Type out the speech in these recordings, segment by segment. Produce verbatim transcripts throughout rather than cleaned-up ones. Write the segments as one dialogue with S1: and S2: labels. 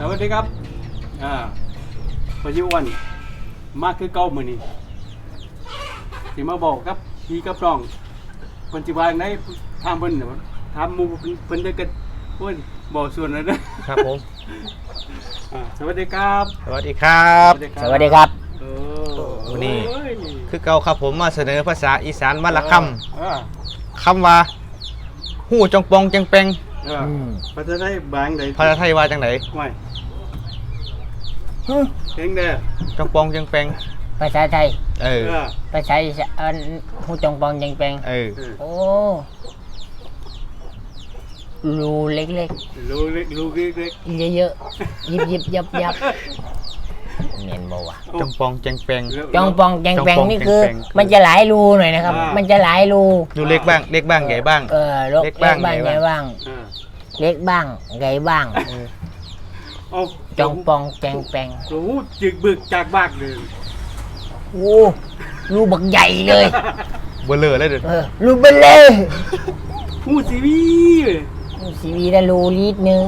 S1: สวัสดีครับอ่าพยุวันมากคือเก้ามือนี่ที่มาบอกครับพี่กับน้องปัจจุบันได้ทำเพิ่นทำมูเพิ่นได้กันเพิ่นบอกส่วนนั้นนะครับ
S2: ผม
S1: อ่าสวัสดีครับ
S2: สวัสดีครับ
S3: สวัสดีครับ
S1: เออ
S2: วันนี้
S1: โอ้ย
S2: คือเก่าครับผมมาเสนอภาษาอีสานวันละค
S1: เออ
S2: ำคำว่าหู้จงปองจังแปง
S1: เออภาษาไทยบางใด
S2: ภาษาไทยว่าจังไหน
S1: ไม่เพลงเด้อ
S2: จงปองจังแปง
S3: ภาษาไทย
S2: เออ
S1: เออ
S3: ภาษาอีสานฮู้จงปองยังแปลง
S2: เออ
S1: เออ
S3: โอ้รูเล็ก
S1: ลูกเล็กลูกเล็ก
S3: ๆเยอะๆยิบยิบยับยับเนียนบ่วะ
S1: ๆ
S2: จงปองจังแปง
S3: จองปองแจงแปง
S2: จองปอง
S3: นี่คือ
S2: แจงแปง
S3: มันจะหลายรูหน่อยนะครับ
S1: อ่ามั
S3: มันจะหลายรู
S2: ดูเล็กบ้างเล็กบ้างใหญ่บ้าง
S3: เออเล็
S2: เล็
S3: ก
S2: กบ้าง
S3: บ้าง
S2: ใหญ่
S3: ใหญ่
S2: บ้าง
S3: บ้าง
S1: เออ
S3: เล็กบ้างใหญ่บ้าง
S2: เออ
S1: เอา
S3: จองปองแจงแปง
S1: โอ้โหจึกบึกจากบากเลย
S3: โอ้รูบักใหญ่เลย
S2: เบลอเลยเด้อ
S3: เออรูเบลเลย
S1: หูซีวีเลย
S3: สีวีละรูลิตรหนึง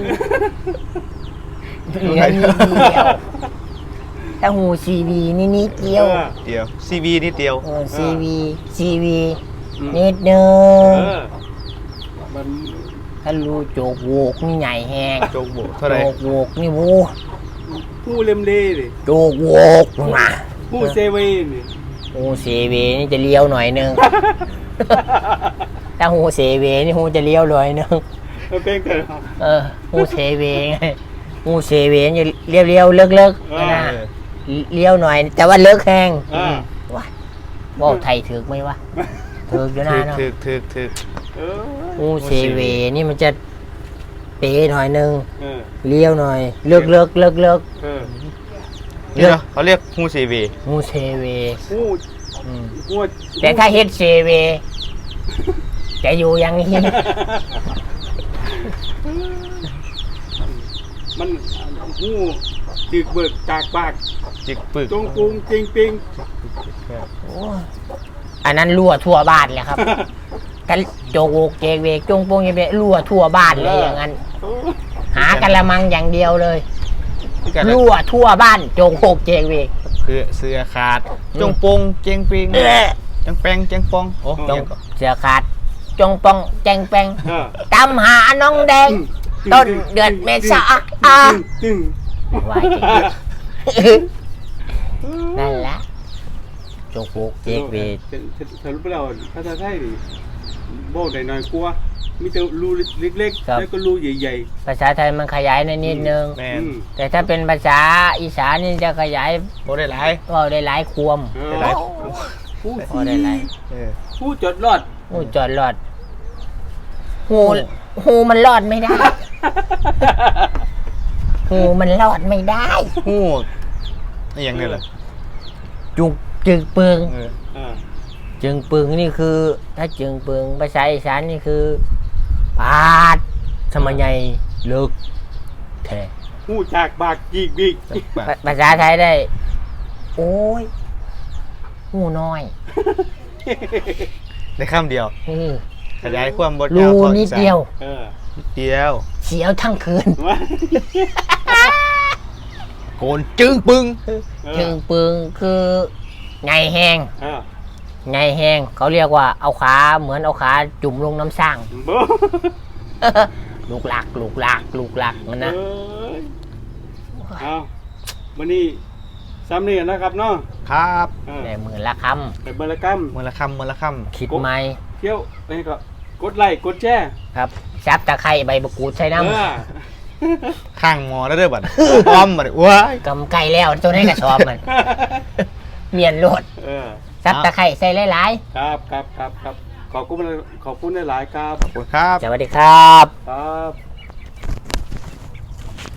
S3: เหลือนิดเดียวถ้าหูซีวีนี่นิดเดียว
S2: เดียวซีวีนิดเดียว
S3: เออซีวีซีวี
S1: อืม
S3: นิดนึ
S1: เอง อมัน
S3: ถ้ารูโจกโวกนี่ใหญ่แหง
S2: โจงโบเท่าไห
S3: โจ
S2: ร่
S3: กโวกนี่วู
S1: หูเล่มเล่เลย
S3: โจกโวกมา
S1: หูเซเว่นนี่
S3: หูซีวีนี่จะเลี้ยวหน่อยนึง ถ้าหูเซเวนี่หูจะเลี้ยวหน่อยนึง
S1: มันเป็นกัน
S3: เออหูเซเวไงหูเซเวนี่เลี้ยวเลี้ยวเลิกเลิก
S1: เออ
S3: นะ เลี้ยวหน่อย แต่ว่าเลิกแหง
S1: อ่า
S3: ว้าบอกไทยถึกไหมวะถึกอยู่นะ
S2: ถึก
S3: เนาะ
S2: ถึกถึกถึก
S1: เออ
S3: หูเซเวนี่มันจะเป๋หน่อยนึง
S1: เออ
S3: เลี้ยวหน่อยเลิกเลิกเลิกเลิก
S1: เออ
S2: นี่เนาะเขาเรียกหูซีวี
S3: หูเซเว
S1: หู
S3: อืม
S1: หู
S3: แต่ถ้าเฮ็ดเซเวจะอยู่อย่างนี้
S1: มันหูจึกบึกจากบาก
S2: จิกปึก
S1: จงกรุงจริงปิง
S3: โอ้ยอันนั้นรั่วทั่วบ้านเลยครับกันโจกโวกเจกเวกจงโปงเจกเวกรั่วทั่วบ้านเลยอย่างนั้น
S1: โอ้
S3: หากะละมังอย่างเดียวเลย
S2: กัน
S3: รั่วทั่วบ้านโจกโวกเจกเวก
S2: คือเสื้อขาดจงปงเจงปิง
S3: เอ้อ
S2: จังแปงจังปองโอ้
S3: จ
S2: ยัง
S3: ง
S2: ก็
S3: เสือขาดจงปองแจงแปง
S1: เออ
S3: ตำหาน้องแดง ต้นเดือนเมษาอ่ะ
S1: ตึง
S3: วายจริงนั่นแหละโจกโวกเจกเวก
S1: สรุปแล้วภาษาไทยดิบอกได้น้อยกว่ามีแต่รูเล็กๆแล้วก็รูใหญ่
S3: ภาษาไทยมันขยายในนิดนึง
S2: แม
S1: ๆ
S2: น
S3: แต่ถ้าเป็นภาษาอีสานนี่จะขยาย
S2: โบได้หลาย
S3: ก็ได้หลายควม
S1: เอ
S2: ได้
S1: อ
S2: หลาย
S1: ผู้
S3: พอได้หลาย
S2: เออ
S1: ผู้จดรอด
S3: หูจอดรอดหูหูมันรอดไม่ได้ หูมันรอดไม่ได้
S2: หูนี่ยังไงล่ะ
S3: จุกจึงปึง
S2: เออ
S1: เออ
S3: จึงปึงนี่คือ ถ้าจึงปึงภาษาอีสานนี่คือปาดสมัยใหญ่เลิกแท้
S1: ผู้จากบากจีกบีก
S2: จังปะ
S3: ภาภาษาไทยได้ โอ้ยหูน้อย
S2: ได้คำเดียว
S3: เออ
S2: ขยายความบท
S3: รู
S2: ยาวต่ออี
S3: นิด
S2: สาน
S3: เดียว
S1: เออ
S2: นิดเดียว
S3: เสียวทั้งคืน
S1: ว่า
S2: โกนจึงปึง
S3: จึงปึงคือไงแหง
S1: เออ
S3: ไงแห้งเขาเรียกว่าเอาขาเหมือนเอาขาจุ่มลงน้ำสร้าง
S1: บ่
S3: ลูกหลักลูกหลักลูกหลักมันนะ
S1: เอ้ยเอาวันนี้ซ้ำนี่นะครับเนาะ
S2: ครับ
S1: เออ
S3: ได้หมื่นละค
S1: ไปบรรกรรม
S2: มือละคำมือละค
S3: ำคิดไหม
S1: เที่ยวไปก็กดไลค์กดแชร์
S3: ครับซับตะไคร้ใบมะกรูดใส่น้
S1: เออ
S2: ำข้างหมอแล้วเด้อบัดอ้อมบัดว้าย
S3: ำกำไก่แล้วตัวนี้กระสอบมัน เมียนโลด
S1: เออ
S3: ซับตะไคร้ใส่หลาย
S1: ครับครับครับครับขอบคุณขอบคุณหลายๆครับ
S2: ขอบคุณครับ
S3: ๆสวัสดีครับ
S1: ครับ